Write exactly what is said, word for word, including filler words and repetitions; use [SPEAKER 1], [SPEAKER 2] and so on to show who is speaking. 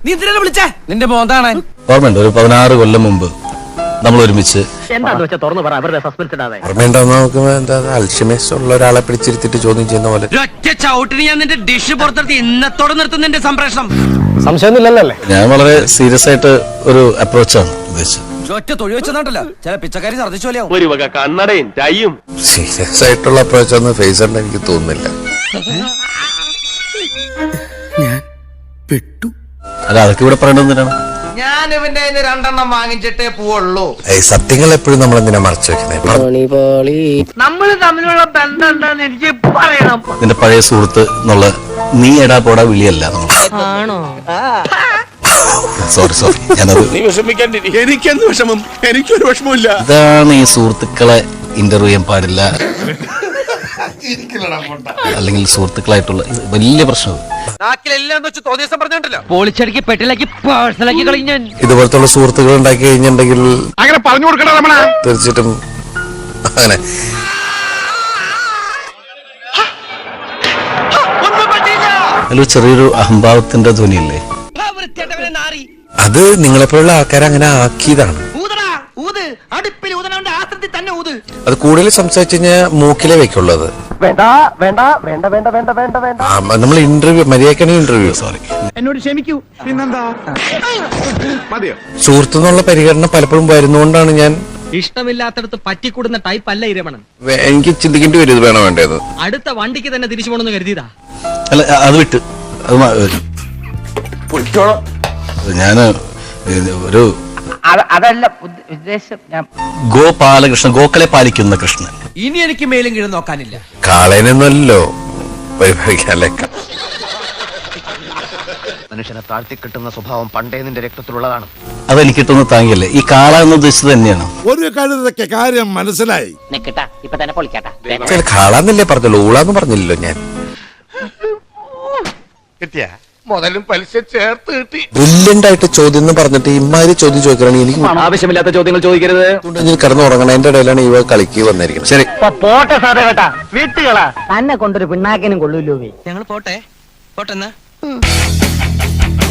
[SPEAKER 1] നീ എന്തിനാ വിളിച്ചേ? നിന്റെ മോന്താണ്.
[SPEAKER 2] ഓർമ്മയുണ്ട് ഒരു പതിനാറ് കൊല്ലം മുമ്പ് നമ്മൾ ഒരുമിച്ച് അൽഷിമേഴ്സ് ഉള്ള ഒരാളെ പിടിച്ചിരുത്തിട്ട് ചോദ്യം ചെയ്യുന്ന പോലെ
[SPEAKER 1] ഒറ്റ ചവിട്ടിന് ഞാൻ നിന്റെ ഡിഷ് പുറത്തെടുത്ത് ഇന്നത്തോടെ നിർത്തും നിന്റെ സംപ്രേഷണം.
[SPEAKER 3] സംശയമൊന്നുമില്ലല്ലേ?
[SPEAKER 2] ഞാൻ വളരെ സീരിയസ് ആയിട്ട് ഒരു അപ്രോച്ചാണ് ഉദ്ദേശിച്ചത്.
[SPEAKER 1] ഒറ്റ തൊഴി വെച്ചതാണ്ടല്ലോ ചില പിച്ചക്കാരി ഛർദ്ദിച്ചു പോലെയാവും.
[SPEAKER 4] ഒരു വക കണ്ണടയും ടൈയും.
[SPEAKER 2] സീരിയസ് ആയിട്ടുള്ള അപ്രോച്ചാന്ന് ഫേസ് ഉണ്ട് എനിക്ക് തോന്നുന്നില്ല.
[SPEAKER 5] ഞാൻ പെട്ടു.
[SPEAKER 2] അല്ല അതൊക്കെ ഇവിടെ പറയേണ്ടതാണ്.
[SPEAKER 1] ഞാൻ ഇവന്റെ രണ്ടെണ്ണം വാങ്ങിച്ചിട്ടേ പോവുള്ളൂ.
[SPEAKER 2] സത്യങ്ങൾ എപ്പോഴും നമ്മൾ എന്തിനാ മറച്ചു വെക്കുന്നത്?
[SPEAKER 1] നമ്മൾ തമ്മിലുള്ള ബന്ധം എന്താന്ന് എനിക്ക് പറയണം.
[SPEAKER 2] നിന്റെ പഴയ സുഹൃത്ത് എന്നുള്ള നീ എടാ പോടാ വിളിയല്ല നമ്മൾ. സോറി സോറി ഞാനത്
[SPEAKER 5] എനിക്കെന്ത് വിഷമം? എനിക്കൊരു വിഷമമില്ല.
[SPEAKER 2] ഇതാണ് ഈ സുഹൃത്തുക്കളെ ഇന്റർവ്യൂ ചെയ്യാൻ പാടില്ല അല്ലെങ്കിൽ സുഹൃത്തുക്കളായിട്ടുള്ള വലിയ പ്രശ്നം.
[SPEAKER 1] പോളിച്ചടിക്ക് പെട്ടിലാക്കി പേഴ്സണലാക്കി കളയും ഞാൻ.
[SPEAKER 2] ഇതുപോലത്തുള്ള സുഹൃത്തുക്കൾ ഉണ്ടാക്കി കഴിഞ്ഞിട്ടുണ്ടെങ്കിൽ
[SPEAKER 5] അങ്ങനെ പറഞ്ഞു കൊടുക്കണം രമണ.
[SPEAKER 2] തീർച്ചയായിട്ടും അങ്ങനെ അതിൽ ചെറിയൊരു അഹംഭാവത്തിന്റെ ധ്വനിയില്ലേ, അത് നിങ്ങളെപ്പോലുള്ള ആൾക്കാരെ അങ്ങനെ ആക്കിയതാണ്. അത് കൂടുതൽ സംസാരിച്ചു കഴിഞ്ഞാൽ മൂക്കിലേ വെക്കുള്ളത്. നമ്മൾ ഇന്റർവ്യൂ മര്യാദക്കാണ് ഇന്റർവ്യൂ. സോറി
[SPEAKER 5] എന്നോട് ക്ഷമിക്കൂ. പിന്നെന്താ മതിയോ?
[SPEAKER 2] സുഹൃത്തു എന്നുള്ള പരിഗണന പലപ്പോഴും വരുന്നോണ്ടാണ് ഞാൻ
[SPEAKER 6] ഇഷ്ടമില്ലാത്തടത്ത് പറ്റിക്കൂടുന്ന ടൈപ്പ് അല്ല ഇരമണൻ.
[SPEAKER 2] എനിക്ക് ചിന്തിക്കേണ്ടി വരും ഇത് വേണോ വേണ്ടത്.
[SPEAKER 6] അടുത്ത വണ്ടിക്ക് തന്നെ തിരിച്ചു പോകണമെന്ന് കരുതിയതാ.
[SPEAKER 2] അല്ല അത് വിട്ട് അത് ഞാന് ഒരു
[SPEAKER 7] അതല്ല ഉദ്ദേശം.
[SPEAKER 2] ഗോപാലകൃഷ്ണൻ, ഗോക്കളെ പാലിക്കുന്ന കൃഷ്ണൻ.
[SPEAKER 1] ഇനി എനിക്ക് മേലും കീഴും നോക്കാനില്ല.
[SPEAKER 2] കാളേനൊന്നുമല്ലോ പരിപാലിക്കാല്ലേ.
[SPEAKER 4] മനുഷ്യനെ താഴ്ത്തി കിട്ടുന്ന സ്വഭാവം പണ്ടേ നിന്റെ രക്തത്തിലുള്ളതാണ്.
[SPEAKER 2] അതെനിക്ക് കിട്ടുന്ന താങ്ങിയല്ലേ. ഈ കാള എന്ന് ഉദ്ദേശിച്ചത് തന്നെയാണ്.
[SPEAKER 5] ഒരു കഴുതൊക്കെ കാര്യം മനസ്സിലായി.
[SPEAKER 7] ഇപ്പൊ തന്നെ പൊളിക്കാട്ടാ.
[SPEAKER 2] കാളാന്നല്ലേ പറഞ്ഞല്ലോ, ഊളാന്ന് പറഞ്ഞില്ലല്ലോ ഞാൻ.
[SPEAKER 4] കിട്ടിയ മുതലും പലിശ ചേർത്ത് കിട്ടി.
[SPEAKER 2] ബ്രില്യന്റ് ആയിട്ട് ചോദ്യം എന്ന് പറഞ്ഞിട്ട് ഇമാതിരി ചോദ്യം ചോദിക്കണമെങ്കിൽ എനിക്ക്
[SPEAKER 3] ആവശ്യമില്ലാത്ത ചോദ്യങ്ങൾ ചോദിക്കരുത്.
[SPEAKER 2] കിടന്ന് ഉറങ്ങണം. എന്റെ ഇടയിലാണ് ഇവ കളിക്ക് വന്നിരിക്കുന്നത്. ശരി
[SPEAKER 7] പോട്ടെ സാറേ കേട്ടാ. വീട്ടുകളാ തന്നെ കൊണ്ടൊരു പിണ്ണാക്കിനും കൊള്ളൂല്ലോ.
[SPEAKER 1] ഞങ്ങൾ പോട്ടെ പോട്ടെന്നാ.